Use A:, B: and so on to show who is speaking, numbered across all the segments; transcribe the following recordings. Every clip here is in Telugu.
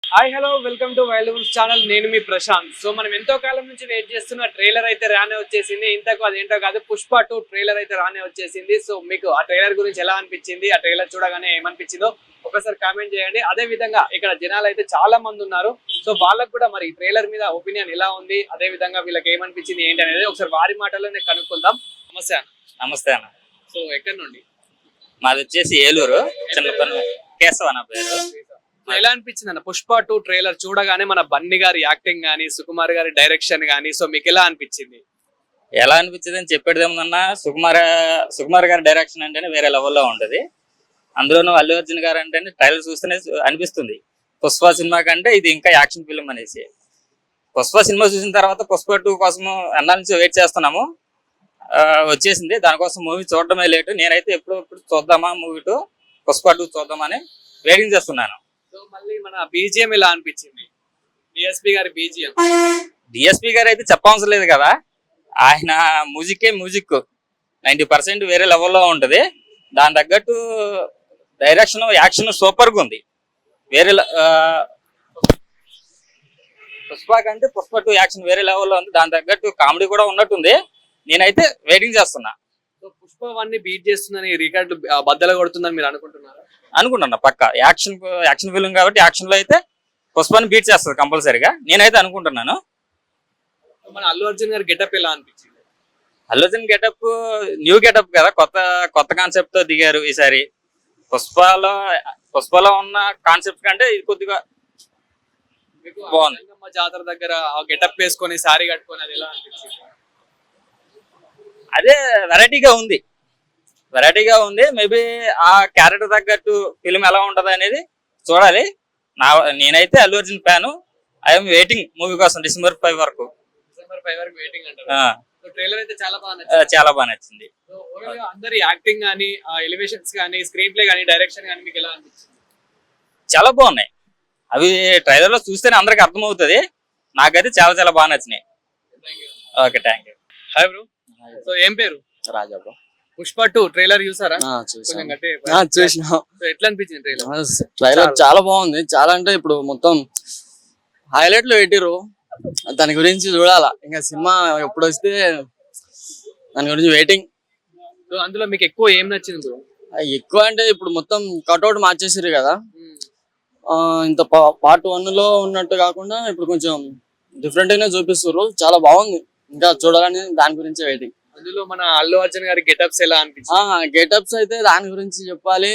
A: Hi hello welcome to wild channel. నేను మీ ప్రశాంత్. సో మనం ఎంతో కాలం నుంచి వెయిట్ చేస్తున్న ట్రైలర్ అయితే రానే వచ్చేసింది. ఇంతకు అదేంటో కాదు, పుష్ప 2 ట్రైలర్ అయితే రానే వచ్చేసింది. సో మీకు ఆ ట్రైలర్ గురించి ఎలా అనిపించింది, ఆ ట్రైలర్ చూడగానే ఏమనిపించిందో ఒకసారి కామెంట్ చేయండి. అదే విధంగా ఇక్కడ జనాలు అయితే చాలా మంది ఉన్నారు. సో వాళ్ళకు కూడా మరి ఈ ట్రైలర్ మీద ఒపీనియన్ ఎలా ఉంది, అదే విధంగా వీళ్ళకి ఏమనిపించింది ఏంటి అనేది ఒకసారి వారి మాటల్లోనే కనుక్కుందాం. నమస్తే అన్న.
B: నమస్తే అన్న.
A: సో ఎక్కడి నుండి?
B: మాది వచ్చేసి ఏలూరు, చిన్న కేశవ అన్న పేరు.
A: ఎలా అనిపించింది అన్న పుష్ప 2 ట్రైలర్ చూడగానే? మన బన్నీ గారి యాక్టింగ్ గానీ, సుకుమార్ గారి డైరెక్షన్ గానీ, సో మీకు ఎలా అనిపించింది?
B: ఎలా అనిపించింది అని చెప్పేది ఏమన్నా, సుకుమార్ గారి డైరెక్షన్ అంటేనే వేరే లెవెల్లో ఉంటది. అందులోనూ అల్లు అర్జున్ గారు అంటేనే ట్రైలర్ చూస్తేనే అనిపిస్తుంది పుష్ప సినిమా కంటే ఇది ఇంకా యాక్షన్ ఫిల్మ్ అనేసి. పుష్ప సినిమా చూసిన తర్వాత పుష్ప 2 కోసం అన్నాల నుంచి వెయిట్ చేస్తున్నాము. వచ్చేసింది, దానికోసం మూవీ చూడడమే లేటు. నేనైతే ఎప్పుడు చూద్దామా మూవీ 2 పుష్ప 2 చూద్దామని వెయిటింగ్ చేస్తున్నాను.
A: సో మళ్ళీ మన బీజిఎం ఎలా అనిపించింది? డిఎస్పీ గారి బీజిఎం.
B: డిఎస్పీ గారు అయితే చెప్పవసరం లేదు కదా, ఆయన మ్యూజిక్ 90% వేరే లెవెల్లో ఉంటది. దాని తగ్గట్టు డైరెక్షన్, యాక్షన్ సూపర్ గా ఉంది. వేరే పుష్ప కంటే పుష్ప 2 యాక్షన్ వేరే లెవెల్లో ఉంది. దాని తగ్గట్టు కామెడీ కూడా ఉన్నట్టుంది. నేనైతే వెయిటింగ్ చేస్తున్నా.
A: సో పుష్ప 1 ని బీట్ చేస్తుందని, రికార్డు బద్దలు కొడుతుందని మీరు అనుకుంటున్నారా?
B: అనుకుంటున్నా పక్క. యాక్షన్ ఫిల్మ్ కాబట్టి యాక్షన్ లో అయితే పుష్పని బీట్ చేస్తుంది కంపల్సరీగా, నేనైతే అనుకుంటున్నాను.
A: మన అల్లు అర్జున్ గారి గెటప్ ఎలా అనిపించింది?
B: Allu Arjun getup new getup కదా, కొత్త కాన్సెప్ట్ తో దిగారు ఈసారి. పుష్పలో ఉన్న కాన్సెప్ట్ కంటే ఇది కొద్దిగా బాగుంది.
A: జాతర దగ్గర గెటప్ వేసుకొని సారీ కట్టుకొని అది ఎలా అనిపించింది?
B: అదే వెరైటీగా ఉంది. మేబీ ఆ క్యారెక్టర్ తగ్గట్టు ఫిల్మ్ ఎలా ఉంటది అనేది చూడాలి. నేనైతే Allu Arjun fan. I'm waiting movie కోసం డిసెంబర్ 5 వరకు.
A: వెయిటింగ్ అంటారు. ట్రైలర్ అయితే చాలా బాగా నచ్చింది. అందరి యాక్టింగ్ గానీ, ఎలివేషన్స్ గానీ, స్క్రీన్ ప్లే గానీ, డైరెక్షన్ గానీ మీకు ఎలా అనిపించింది?
B: చాలా బాగున్నాయి. అవి ట్రైలర్ లో చూస్తేనే అందరికి అర్థమవుతుంది. నాకైతే చాలా బాగా నచ్చినాయి. Okay, thank you.
A: Hi bro. So ఏం పేరు?
C: రాజా బ్రో.
A: పుష్ప 2 ట్రైలర్ చూసారా?
C: చూసిన.
A: ఎట్లా అనిపించింది ట్రైలర్?
C: ట్రైలర్ చాలా బాగుంది. చాలా అంటే ఇప్పుడు మొత్తం హైలైట్ లో పెట్టిరు. దాని గురించి చూడాలా, ఇంకా సినిమా ఎప్పుడు వస్తే దాని గురించి వెయిటింగ్.
A: అందులో మీకు ఎక్కువ ఏం నచ్చింది బ్రో?
C: ఎక్కువ అంటే ఇప్పుడు మొత్తం కట్అవుట్ మార్చేసారు కదా. ఇంత పార్ట్ 1 లో ఉన్నట్టు కాకుండా ఇప్పుడు కొంచెం డిఫరెంట్ గానే చూపిస్తారు. చాలా బాగుంది, ఇంకా చూడాలని దాని గురించి వెయిటింగ్.
A: అందులో మన అల్లు అర్జున్ గారి గెటప్స్ ఎలా అనిపించింది?
C: గెటప్స్ అయితే దాని గురించి చెప్పాలి.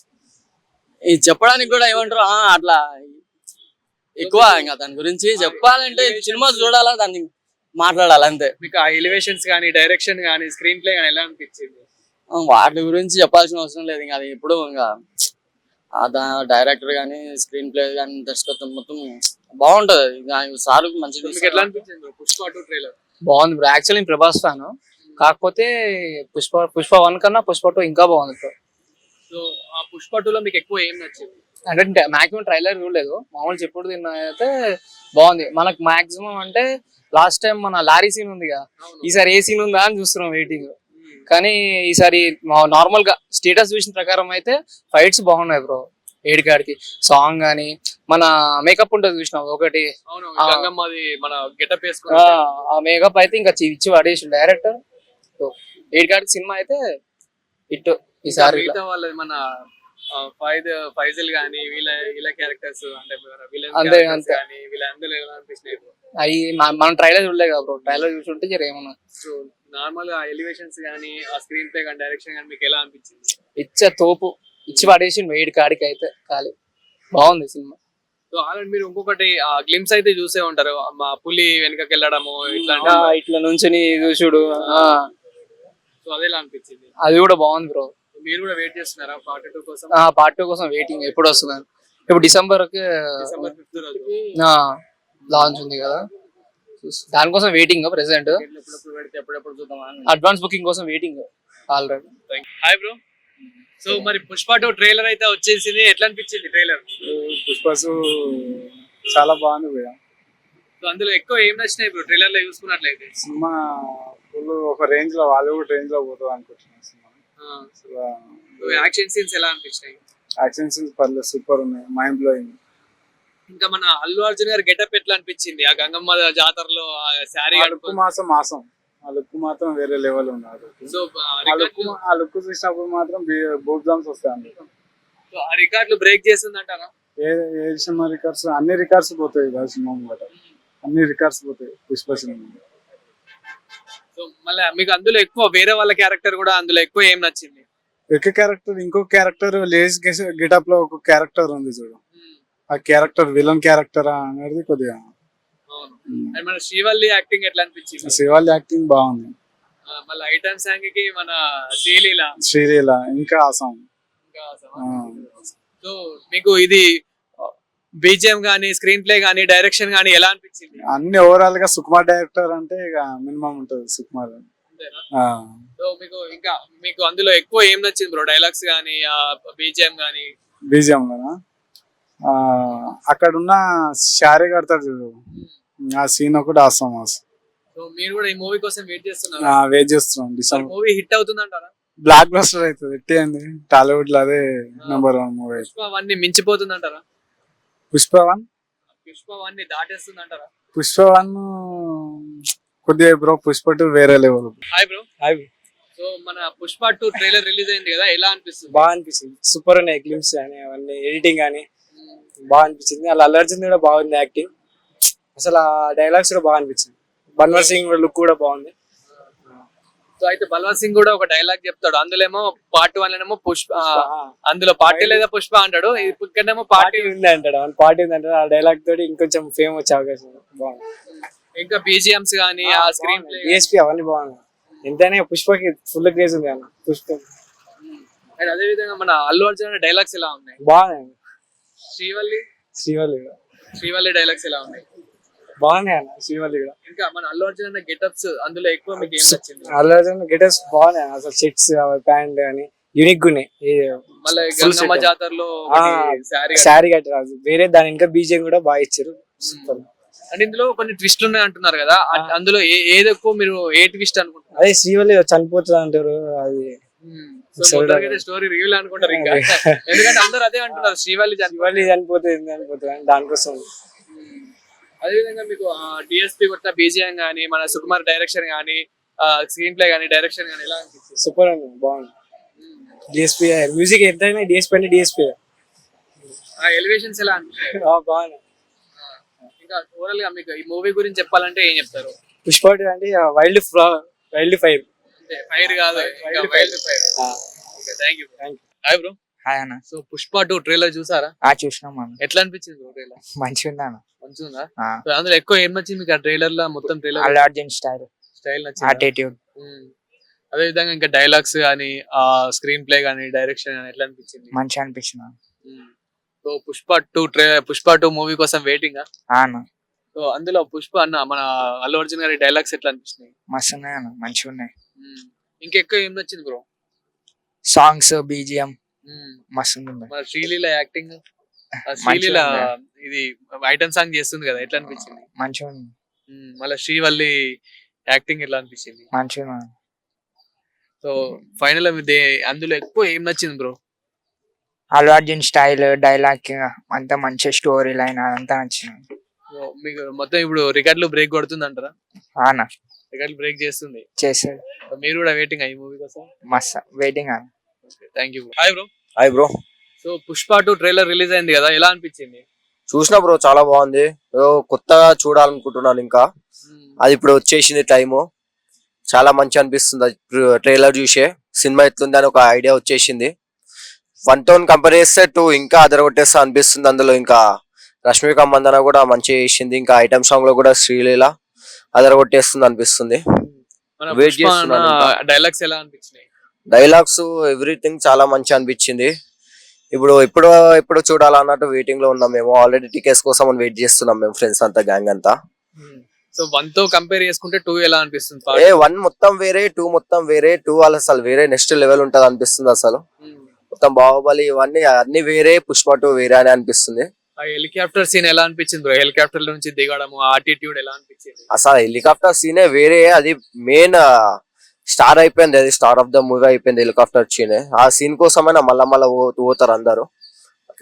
C: ఇది చెప్పడానికి కూడా ఏమంటారు, అట్లా ఎక్కువ ఇంకా దాని గురించి చెప్పాలంటే సినిమా చూడాలా, దాన్ని మాట్లాడాలి అంతే.
A: మీకు ఆ ఎలివేషన్స్ కానీ, డైరెక్షన్ కానీ, స్క్రీన్ ప్లే కానీ ఎలా అనిపించింది?
C: వాటి గురించి చెప్పాల్సిన అవసరం లేదు. ఇంకా అది ఇప్పుడు ఇంకా డైరెక్టర్ కానీ, స్క్రీన్ ప్లే కానీ, దర్శకత్వం మొత్తం బాగుంటది. సార్ మంచిది.
A: ఎట్లా అనిపించింది పుష్ప 2 ట్రైలర్?
D: బాగుంది బ్రో. యాక్చువల్లీ ప్రభాస్ ఫ్యాన్, కాకపోతే పుష్ప 1 కన్నా పుష్ప 2 ఇంకా బాగుంది బ్రో.
A: సో ఆ పుష్ప 2 లో మీకు ఎక్కువ ఏం నచ్చింది?
D: అంటే మాక్సిమం ట్రైలర్ చూడలేదు, మామూలు చెప్పుడు తిన్నా అయితే బాగుంది. మనకు మాక్సిమం అంటే లాస్ట్ టైం మన లారీ సీన్ ఉందిగా, ఈసారి ఏ సీన్ ఉందా అని చూస్తున్నాం వెయిటింగ్. కానీ ఈసారి నార్మల్ గా స్టేటస్ చూసిన ప్రకారం అయితే ఫైట్స్ బాగున్నాయి బ్రో. ఏడికాడికి సాంగ్ గానీ, మన మేకప్ ఉంటుంది చూసినావు ఒకటి,
A: మన గెటప్
D: ఆ మేకప్ అయితే ఇంకా ఇచ్చి పడేసి డైరెక్టర్. ఏడికాడికి సినిమా అయితే ఇటు ఈసారి
A: మన ఫైజల్ గానీ, వీళ్ళ క్యారెక్టర్స్ అంటే వీళ్ళందరూ ఎలా అనిపిస్తున్నాయి?
D: అవి మనం ట్రైలర్ చూడలేదు కదా బ్రో, ట్రైలర్ చూసుంటే ఏమన్నా.
A: సో నార్మల్ గా ఎలివేషన్స్ గానీ, ఆ స్క్రీన్ ప్లే కానీ, డైరెక్షన్ కానీ మీకు ఎలా అనిపించింది?
D: తోపు ఇచ్చి పడేసి వేడి కాడికి అయితే ఖాళీ బాగుంది సినిమా.
A: సో ఆల్రెడీ మీరు ఇంకొకటి గ్లిమ్స్ అయితే చూసే ఉంటారు, మా పులి వెనకకి వెళ్ళడము
D: ఇట్లా నుంచి చూసుడు.
A: సో అదే అనిపించింది.
D: అది కూడా బాగుంది బ్రో.
A: మీరు కూడా వెయిట్ చేస్తున్నారా పార్ట్ 2 కోసం?
D: పార్ట్ 2 కోసం వెయిటింగ్. ఎప్పుడు వస్తున్నారు? ఇప్పుడు డిసెంబర్
A: 5th రోజు
D: లాంచ్ ఉంది కదా, దానికోసం వెయిటింగ్. ప్రెసెంట్ అడ్వాన్స్ బుకింగ్ కోసం waiting already.
A: Hi bro. So మరి పుష్ప 2 ట్రైలర్ అయితే వచ్చేసింది, ఎట్లా అనిపించింది ట్రైలర్?
E: పుష్ప చాలా బాగుంది భయ్యా.
A: సో అందులో ఎక్కువ ఏం నచ్చినాయి బ్రో ట్రైలర్ లో చూసుకున్నట్లయితే?
E: సినిమా ఫుల్ ఒక రేంజ్ లో, హాలీవుడ్ రేంజ్ లో పోతుంది అనుకుంటున్నాను సినిమా.
A: యాక్షన్ సీన్స్ ఎలా అనిపించినాయి?
E: యాక్షన్ సీన్స్ పర్లేదు, సూపర్ ఉన్నాయి, మైండ్ బ్లోయింగ్.
A: ఇంకా మన అల్లు అర్జున్ గారి గెటప్ ఎట్లా అనిపించింది ఆ గంగమ్మ జాతరలో శారీ
E: ఆ లుక్ మాసం ఆ లుక్ మాత్రం వేరే లెవెల్ ఉన్నారు.
A: సో
E: ఆ లుక్ చూసినప్పుడు మాత్రం బూట్ జామ్స్ వస్తాయి.
A: ఆ రికార్డులు బ్రేక్ చేసిందంటారా?
E: ఏ సినిమా రికార్డ్స్, అన్ని రికార్డ్స్ పోతాయి ఆ సినిమా ముంగట. అన్ని రికార్డ్స్ పోతాయి పుష్ప సినిమా.
A: సో మళ్ళీ మీకు అందులో ఎక్కువ వేరే వాళ్ళ క్యారెక్టర్ కూడా అందులో ఎక్కువ ఏం నచ్చింది?
E: ఒక క్యారెక్టర్, ఇంకో క్యారెక్టర్ లేడీస్ గెటప్ లో ఒక క్యారెక్టర్ ఉంది చూడు, ఆ క్యారెక్టర్ విలన్ క్యారెక్టర్ అనేది కొద్దిగా.
A: అవును. అండ్ మన శ్రీవల్లి యాక్టింగ్ ఎట్లా అనిపించింది?
E: శివాల్ యాక్టింగ్ బాగుంది.
A: మళ్ళీ ఐటమ్ సాంగ్ కి మన
E: శ్రీలీల ఇంకా ఆసం.
A: సో మీకు ఇది బీజిఎం గానీ స్క్రీన్ ప్లే గానీ డైరెక్షన్ గానీ ఎలా అనిపించింది?
E: అన్ని ఓవరాల్ గా సుకుమార్ డైరెక్టర్ అంటే ఇక మినిమం ఉంటది సుకుమార్.
A: సో మీకు అందులో ఎక్కువ ఏం నచ్చింది బ్రో? డైలాగ్స్ గానీ బీజిఎం గానీ?
E: బీజిఎం లోనా అక్కడ ఉన్న శారీ కడతాడు చూడు, ఆ సీన్ ఒకటి ఆసం.
A: సో మీరు కూడా ఈ మూవీ కోసం వెయిట్ చేస్తున్నారు?
E: వెయిట్ చేస్తున్నాం. డిసెంబర్
A: మూవీ హిట్ అవుతుందంటారా?
E: బ్లాక్ బస్టర్ అవుతుంది. ఎట్టి టాలీవుడ్ లో అదే నెంబర్ 1 మూవీ.
A: పుష్ప 1 మించిపోతుందంటారా?
E: పుష్ప 1
A: దాటేస్తుందంటారా?
E: పుష్ప 1 కొద్దిగా బ్రో. పుష్ప 2 వేరే level.
A: Hi bro.
F: Hi.
A: So మన పుష్ప 2 ట్రైలర్ రిలీజ్ అయింది కదా, ఎలా అనిపిస్తుంది?
F: బాగా అనిపించింది. సూపర్ ఉన్నాయి క్లిప్స్ కానీ అవన్నీ, ఎడిటింగ్ కానీ బాగా అనిపించింది. అలా అల్లు అర్జున్ కూడా బాగుంది యాక్టింగ్. అసలు ఆ డైలాగ్స్ కూడా బాగా అనిపించింది. బన్వర్ సింగ్ లుక్ కూడా బాగుంది.
A: సో అయితే బల్వంత్ సింగ్ కూడా ఒక డైలాగ్ చెప్తాడు, అందులో ఏమో పార్ట్ 1 లోనేమో పుష్ప, అందులో పార్టీ లేదా పుష్ప అంటాడు, ఇక్కడేమో పార్టీ
F: ఉంది అంటాడు. పార్టీ ఉంది అంటాడు. ఆ డైలాగ్ తోటి ఇంకొంచెం ఫేమ్ వచ్చే అవకాశం బాగుంది.
A: ఇంకా బీజిఎంస్ గానీ ఆ స్క్రీన్ ప్లే,
F: డిఎస్పీ అవన్నీ బాగున్నాయి. ఎంతైనా పుష్పకి ఫుల్ క్రేజ్ ఉంది అన్న పుష్ప.
A: అండ్ అదే విధంగా మన అల్లు అర్జున్ డైలాగ్స్ ఎలా ఉన్నాయి?
F: బాగున్నాయి.
A: శ్రీవల్లి డైలాగ్స్ ఎలా ఉన్నాయి?
F: బాగున్నాయి అన్న శ్రీవల్లి కూడా.
A: ఇంకా మన అల్లు అర్జున్ గెటప్స్ అందులో ఎక్కువ మీకు ఏం నచ్చింది?
F: అల్లు అర్జున్ గెటప్స్ బాగున్నాయి అసలు. షర్ట్స్ ప్యాంట్ కానీ యూనిక్ ఉన్నాయి.
A: మళ్ళీ గంగమ్మ జాతరలో
F: శారీ కట్టారు వేరే, దాని ఇంకా బీజిఎం కూడా బాగా ఇచ్చారు. సూపర్.
A: అండ్ ఇందులో కొన్ని ట్విస్ట్లు ఉన్నాయి అంటున్నారు కదా, అందులో ఏది ఎక్కువ మీరు ఏ ట్విస్ట్ అనుకుంటున్నారు?
F: అదే శ్రీవల్లి చనిపోతుంది అంటారు. అది
A: స్టోరీ రివీల్ అనుకుంటారు ఇంకా, ఎందుకంటే అందరూ అదే అంటున్నారు శ్రీవల్లి
F: చనిపోతుంది దానికోసం.
A: అదేవిధంగా మీకు డిఎస్పీ కొత్త బీజిఎం గానీ మన సుకుమార్ డైరెక్షన్ గానీ స్క్రీన్ ప్లే గానీ డైరెక్షన్ గానీ ఎలా అనిపిస్తుంది?
F: సూపర్ అండి, బాగుంది. డిఎస్పీ మ్యూజిక్ ఎంతైనా డిఎస్పీ అంటే డిఎస్పీ.
A: ఎలివేషన్స్ ఎలా అనిపిస్తాయి?
F: బాగుంది.
A: ఇంకా ఓవరాల్ గా మీకు ఈ మూవీ గురించి చెప్పాలంటే ఏం చెప్తారు?
F: పుష్ప అంటే వైల్డ్ ఫైర్.
A: ఫైర్ కాదు, wild fire. Thank you. Hi bro.
B: Hi అన్న.
A: సో పుష్ప 2 ట్రైలర్ చూసారా?
B: చూసినాం అన్న.
A: ఎట్లా అనిపించింది బ్రో ట్రైలర్?
B: మంచిగా ఉంది అన్న.
A: మంచిగా. అందులో ఎక్కువ ఏం నచ్చింది మీకు ఆ ట్రైలర్ లో? మొత్తం ట్రైలర్
B: అల్లు అర్జున్ స్టైల్
A: నచ్చింది,
B: యాటిట్యూడ్.
A: అదే విధంగా ఇంకా డైలాగ్స్ గానీ ఆ స్క్రీన్ ప్లే గానీ డైరెక్షన్ గానీ ఎట్లా అనిపించింది?
B: మంచిగా అనిపించింది.
A: సో పుష్ప 2 మూవీ కోసం వెయిటింగ్.
B: అన్న
A: సో అందులో పుష్ప అన్న మన అల్లు అర్జున్ గారి డైలాగ్స్ ఎట్లా అనిపిస్తున్నాయి?
B: మస్తు ఉన్నాయి అన్న, మంచిగా ఉన్నాయి.
A: ఇంకెక్కువ ఏం నచ్చింది బ్రో?
B: సాంగ్స్ బీజిఎం మస్తు ఉంది.
A: మన శ్రీలీల యాక్టింగ్, శ్రీలీల ఇది ఐటమ్ సాంగ్ చేస్తుంది కదా, ఎట్లా అనిపించింది?
B: మంచిగా ఉంది.
A: మళ్ళీ శ్రీవల్లి యాక్టింగ్ ఎట్లా అనిపించింది?
B: మంచిగా.
A: సో ఫైనల్ అందులో ఎక్కువ ఏం నచ్చింది bro?
B: Allu Arjun style, dialogue అంతా మంచి స్టోరీ లైన్ అదంతా నచ్చింది.
A: మీకు మొత్తం ఇప్పుడు రికార్డులు బ్రేక్ కొడుతుంది అంటారా?
B: అన్న
A: రికార్డులు బ్రేక్ చేస్తుంది.
B: చేస్తాడు.
A: మీరు కూడా వెయిటింగ్ ఈ మూవీ కోసం?
B: మస్తు వెయిటింగ్ అన్న.
A: Thank you. Hi bro.
G: Hi bro.
A: So Pushpa 2 trailer release అయింది కదా, ఎలా అనిపించింది?
G: చూసినా బ్రో, చాలా బాగుంది. కొత్తగా చూడాలనుకుంటున్నాను ఇంకా. అది ఇప్పుడు వచ్చేసింది టైము. చాలా మంచి అనిపిస్తుంది ట్రైలర్ చూసే. సినిమా ఎట్లుంది అని ఒక ఐడియా వచ్చేసింది. 1 తో కంపేర్ చేస్తే 2 ఇంకా అదరగొట్టేస్తా అనిపిస్తుంది. అందులో ఇంకా రష్మిక మందన కూడా మంచిగా చేసింది. ఇంకా ఐటమ్ సాంగ్ లో కూడా శ్రీలీల అదరగొట్టేస్తుంది అనిపిస్తుంది. వెయిట్ చేస్తున్నాను.
A: డైలాగ్స్ ఎలా అనిపించినాయి?
G: డైలాగ్స్ ఎవ్రీథింగ్ చాలా మంచి అనిపించింది. ఎప్పుడు చూడాలన్నట్టు వెయిటింగ్ లో ఉన్నాం మేము. ఆల్రెడీ టికెట్స్ కోసం వెయిట్ చేస్తున్నాం మేము, ఫ్రెండ్స్ అంతా, గ్యాంగ్ అంతా.
A: సో 1 తో కంపేర్ చేసుకుంటే 2 ఎలా అనిపిస్తుంది?
G: 1 మొత్తం వేరే, 2 మొత్తం వేరే. 2 అసలు వేరే నెక్స్ట్ లెవెల్ ఉంటది అనిపిస్తుంది. అసలు మొత్తం బాహుబలి ఇవన్నీ అన్ని వేరే, పుష్ప 2 వేరే అని అనిపిస్తుంది.
A: ఆ హెలికాప్టర్ సీన్ ఎలా అనిపించింది బ్రో? హెలికాప్టర్ నుంచి దిగడం, ఆటిట్యూడ్ ఎలా అనిపించింది?
G: అసలు హెలికాప్టర్ సీనే వేరే. అది మెయిన్ స్టార్ అయిపోయింది. అది స్టార్ ఆఫ్ ద మూవీ అయిపోయింది హెలికాప్టర్ సీనే. ఆ సీన్ కోసమైనా మళ్ళా పోతారు అందరు అట్లా.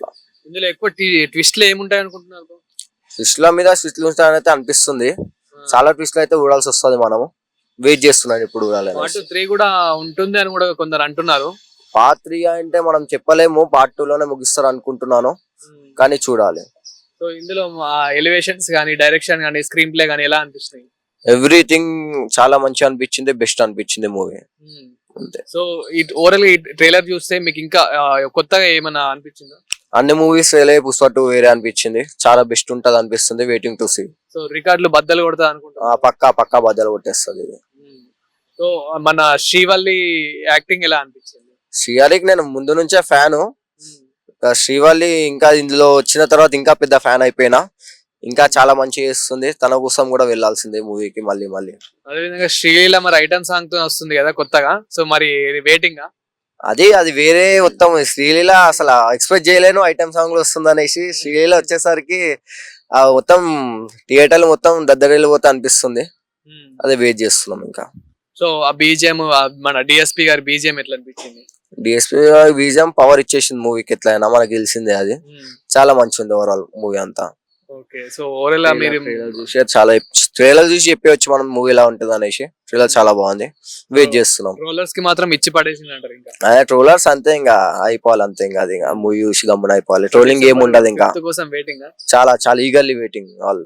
A: ఇందులో ఎక్కువ ట్విస్ట్లు ఏముంటాయి అనుకుంటున్నారు bro?
G: స్విచ్ల మీద స్విచ్లు ఉంటాయని అనిపిస్తుంది. చాలా ట్విస్ట్లు అయితే చూడాల్సి వస్తుంది. మనము వెయిట్ చేస్తున్నాను ఇప్పుడు చూడాలని.
A: పార్ట్ 3 కూడా ఉంటుంది అని కూడా కొందరు అంటున్నారు.
G: పార్ట్ 3 అంటే మనం చెప్పలేము, పార్ట్ 2 లోనే ముగిస్తారు అనుకుంటున్నాను, కానీ చూడాలి.
A: సో ఇందులో ఎలివేషన్స్ కానీ డైరెక్షన్ కానీ స్క్రీన్ ప్లే కానీ ఎలా అనిపిస్తాయి?
G: ఎవ్రీథింగ్ చాలా మంచి అనిపించింది, బెస్ట్ అనిపించింది మూవీ అంతే.
A: సో ఈ ఓవరాల్ ఈ ట్రైలర్ చూస్తే మీకు ఇంకా కొత్తగా ఏమైనా అనిపించిందా?
G: అన్ని మూవీస్ పుష్ప 2 వేరే అనిపించింది, చాలా బెస్ట్ ఉంటది అనిపిస్తుంది. Waiting to see.
A: సో రికార్డులు బద్దలు కొడతా అనుకుంటా.
G: పక్కా బద్దలు కొట్టేస్తుంది ఇది.
A: సో మన శ్రీవల్లి యాక్టింగ్ ఎలా అనిపించింది?
G: శ్రీహరికి నేను ముందు నుంచే ఫ్యాను. శ్రీవల్లి ఇంకా ఇందులో వచ్చిన తర్వాత ఇంకా పెద్ద ఫ్యాన్ అయిపోయినా. ఇంకా చాలా మంచి చేస్తుంది. తన కోసం కూడా వెళ్ళాల్సిందే మూవీకి మళ్ళీ.
A: అదేవిధంగా శ్రీలీల మరి ఐటమ్ సాంగ్ తో వస్తుంది కదా కొత్తగా, సో మరి వెయిటింగ్.
G: అది వేరే మొత్తం. శ్రీలీల అసలు ఎక్స్పెక్ట్ చేయలేను ఐటమ్ సాంగ్ లో వస్తుంది అనేసి. శ్రీలీల వచ్చేసరికి మొత్తం థియేటర్లు మొత్తం దద్దరిల్లిపోతా అనిపిస్తుంది. అదే వెయిట్ చేస్తున్నాం ఇంకా.
A: సో ఆ బీజిఎం, మన డిఎస్పీ గారి బీజిఎం ఎట్లా అనిపించింది?
G: డిఎస్పీ బీజిఎం పవర్ ఇచ్చేసింది మూవీకి. ఎట్లయినా మనకు తెలిసిందే, అది చాలా మంచి ఉంది ఓవరాల్ మూవీ అంతా.
A: ఓకే, సో ఓవరాల్ మీరు
G: చూసి చాలా ట్రైలర్ చూసి చెప్పవచ్చు మనం మూవీ ఎలా ఉంటుంది అనేసి. ట్రైలర్ చాలా బాగుంది, వెయిట్ చేస్తున్నాం.
A: ట్రోలర్స్ కి మాత్రం ఇచ్చి పడేసింది అంటారు ఇంకా.
G: అదే ట్రోలర్స్ అంతే, ఇంకా అయిపోవాలి అంతే. ఇంకా అది మూవీ చూసి గమ్మున అయిపోవాలి. ట్రోలింగ్ ఏమి ఉండదు ఇంకా.
A: కోసం వెయిటింగ్.
G: చాలా ఈగర్లీ వెయిటింగ్ ఆల్.